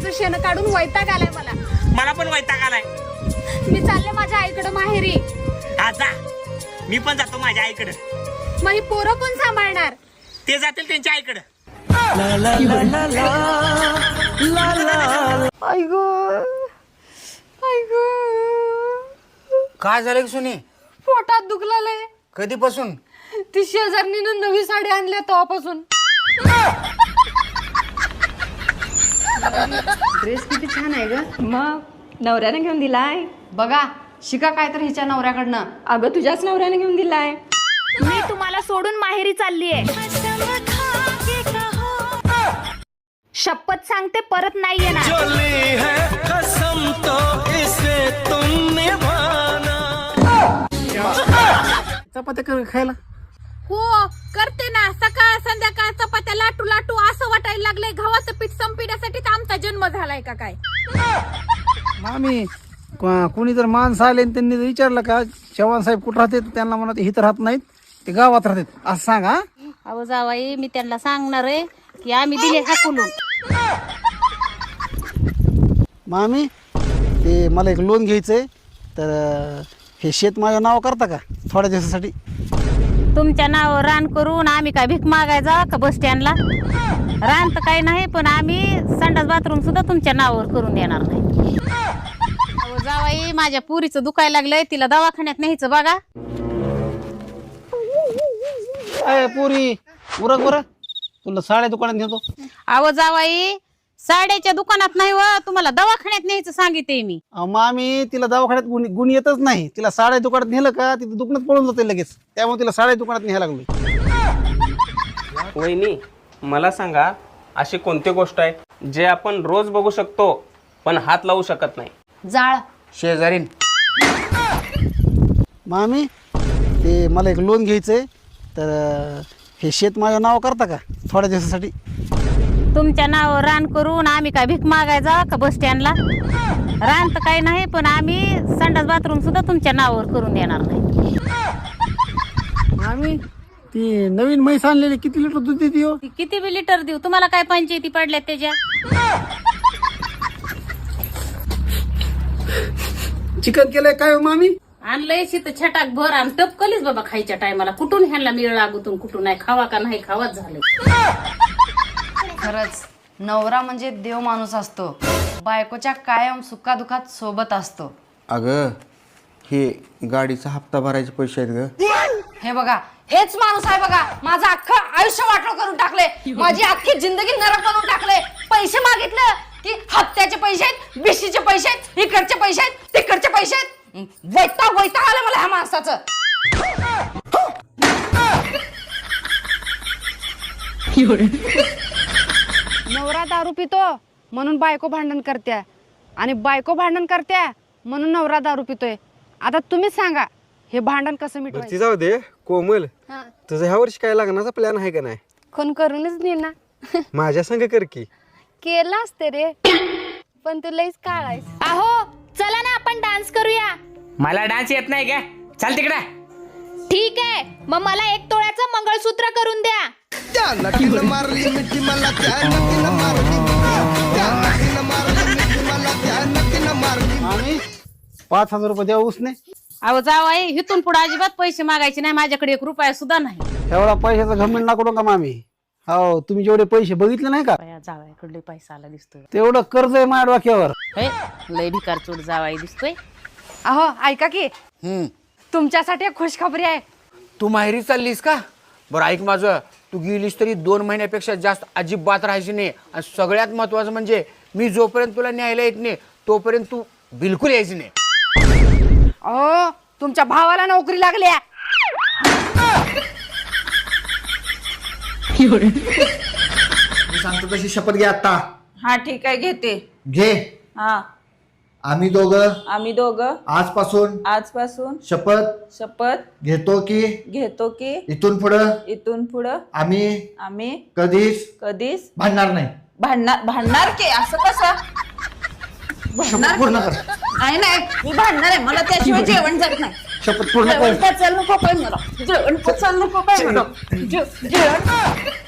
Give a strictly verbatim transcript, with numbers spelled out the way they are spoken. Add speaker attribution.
Speaker 1: गाईचं शेण काढून वैताग आलाय मला.
Speaker 2: मला पण वैताग आलाय.
Speaker 1: मी चालले माझ्या आईकडे माहेरी.
Speaker 2: हा जा, मी पण जातो माझ्या आईकडे.
Speaker 1: मग ही पोरं कोण सांभाळणार?
Speaker 2: ते जातील त्यांच्या आईकडे.
Speaker 3: काय झालं की सुनी?
Speaker 1: पोटात दुखलाय.
Speaker 3: कधीपासून?
Speaker 1: ती शेजारणीनं नवी साडी आणल्या तेव्हापासून. ड्रेस किती छान आहे ग.
Speaker 4: मग नवऱ्याने घेऊन दिलाय.
Speaker 1: बघा शिका काय तर हिच्या नवऱ्याकडनं.
Speaker 4: अगं तुझ्याच नवऱ्याने घेऊन दिलाय.
Speaker 1: मी तुम्हाला सोडून माहेरी चाललीये. शपथ सांगते परत नाही येणार.
Speaker 3: चपात्या कर खायला.
Speaker 1: हो करते ना. सकाळ संध्याकाळ चपात्या लाटू लाटू असं वाटायला लागलंय गव्हाचं पीठ संपण्यासाठीच आमचा जन्म झालाय का काय.
Speaker 3: मामी कोणी जर माणसं आले आणि त्यांनी जर विचारलं का चव्हाण साहेब कुठं राहते, त्यांना म्हणा ते इथं राहत नाहीत, ते गावात राहतात असं सांगा.
Speaker 5: अहो जावाई मी त्यांना सांगणार आहे की आम्ही दिले हाकलून.
Speaker 3: मामी ते मला एक लोन घ्यायचंय, तर हे शेत माझ्या नाव करता का थोड्या दिवसासाठी?
Speaker 5: तुमच्या नावावर रान करून आम्ही काय भीक मागायचा का बस स्टँडला? रान तर काही नाही, पण आम्ही संडास बाथरूम सुद्धा तुमच्या नावावर करून देणार नाही. अहो जावाई माझ्या पुरीचं दुखायला लागलंय, तिला दवाखान्यात न्यायचं बघा.
Speaker 3: अय पुरी उरक बरं, तुला साड्या दुकानात नेतो.
Speaker 5: अहो जावाई साड्याच्या दुकानात नाही व, तुम्हाला दवाखान्यात न्यायचं सांगितले मी.
Speaker 3: अहो, मामी तिला दवाखान्यात गुण गुण येतच नाही. तिला साड्या दुकानात नेलं का तिथं दुकानात पळून जाते लगेच, त्यामुळे तिला साड्या दुकानात न्यायला लागलो.
Speaker 6: वहिनी मला सांगा, अशी कोणती गोष्ट आहे जे आपण रोज बघू शकतो पण हात लावू शकत नाही?
Speaker 1: जाळ.
Speaker 3: शेजारीन. मामी ते मला एक लोन घ्यायचंय, तर हे शेत माझ्या नाव करता का थोड्या दिवसासाठी?
Speaker 5: तुमच्या नावावर रान करून आम्ही काय भीक मागायचा का बस स्टँडला? रान तर काही नाही, पण आम्ही संडास बाथरूम सुद्धा तुमच्या नावावर करून देणार नाही.
Speaker 3: मामी ती नवीन म्हैस आणलेली किती लिटर दूध देते हो?
Speaker 5: ती किती बी लिटर देऊ, तुम्हाला काय पंचायती पडल्या त्याच्या?
Speaker 3: चिकन केलंय काय हो मामी?
Speaker 5: आणलंय शित छटाक भर आणि टपकलीच बाबा खायच्या टायमाला. कुठून ह्यांना मिळ लागूतून कुठून नाही, खावा का नाही खावाच झालंय.
Speaker 7: खरंच नवरा म्हणजे देव माणूस असतो, बायकोच्या कायम सुखादुखात सोबत असतो.
Speaker 8: अगं हे गाडीचा हप्ता भरायचे पैसे आहेत ग.
Speaker 7: हे बघा हेच माणूस आहे बघा, माझं अख्खं आयुष्य वाटलं करून टाकले, माझी अख्खी जिंदगी नरक करून टाकले. पैसे मागितलं की हप्त्याचे पैसे आहेत, बिशीचे पैसे आहेत, इकडचे पैसे आहेत, तिकडचे पैसे आहेत. वैताग वैताग आलं मला ह्या माणसाचं.
Speaker 1: नवरा दारू पितो म्हणून बायको भांडण करत्या, आणि बायको भांडण करत्या म्हणून नवरा दारू पितोय. आता तुम्हीच सांगा हे भांडण कसं मिटवायचं?
Speaker 9: ती जाऊ दे कोमल, तुझं ह्या वर्षी काय लग्नाचा प्लॅन आहे का नाही?
Speaker 1: कोण करूनच नाही ना.
Speaker 9: माझ्या संग कर की.
Speaker 1: केलं असते रे, पण तू लईच काळायस. अहो चला ना आपण डान्स करूया.
Speaker 2: मला डान्स येत नाही का? चाल तिकडे.
Speaker 1: ठीक आहे, मग मला एक तोळ्याचं मंगळसूत्र करून द्या.
Speaker 3: मामी पाच हजार रुपये द्या उसने.
Speaker 5: अहो जावाई इथून पुढे अजिबात पैसे मागायचे नाही, माझ्याकडे एक रुपया सुद्धा नाही.
Speaker 3: एवढा पैशाचा घमंड नको का मामी. हो तुम्ही जेवढे पैसे बघितले नाही का,
Speaker 5: जावाईकडले पैसा आला दिसतोय.
Speaker 3: तेवढं कर्ज आहे माझ्या डोक्यावर.
Speaker 5: हे लय भिकार चोट जावाई दिसतोय.
Speaker 1: अहो ऐका की,
Speaker 8: हम्म
Speaker 1: तुमच्यासाठी एक खुशखबरी आहे.
Speaker 8: तू माहेरी चाललीस का? बरं ऐक माझं, तू गेलीस तरी दोन महिन्यापेक्षा जास्त अजिबात राहायची नाही. आणि सगळ्यात महत्वाचं म्हणजे मी जोपर्यंत तुला न्यायला येत नाही तोपर्यंत तू बिलकुल यायची नाही.
Speaker 1: अहो तुमच्या भावाला नोकरी लागली.
Speaker 10: मी सांगतो तशी शपथ घे आता.
Speaker 4: हा ठीक आहे घेते.
Speaker 10: घे.
Speaker 4: हा
Speaker 10: आम्ही दोघं
Speaker 4: आम्ही दोघं
Speaker 10: आजपासून
Speaker 4: आजपासून
Speaker 10: शपथ
Speaker 4: शपथ
Speaker 10: घेतो की
Speaker 4: घेतो की
Speaker 10: इथून पुढं
Speaker 4: इथून पुढं
Speaker 10: आम्ही
Speaker 4: आम्ही
Speaker 10: कधीच
Speaker 4: कधीच
Speaker 10: भांडणार नाही.
Speaker 4: भांडणार भांडणार की असं कसं
Speaker 10: शपथ पूर्ण कर.
Speaker 4: नाही नाही मी भांडणार आहे, मला त्याशिवाय जेवण जात नाही.
Speaker 10: शपथ पूर्ण
Speaker 4: जेवण
Speaker 10: कर.
Speaker 4: पचायला नको काय मला, जेवण पचायला नको काय मला, जे- जेवण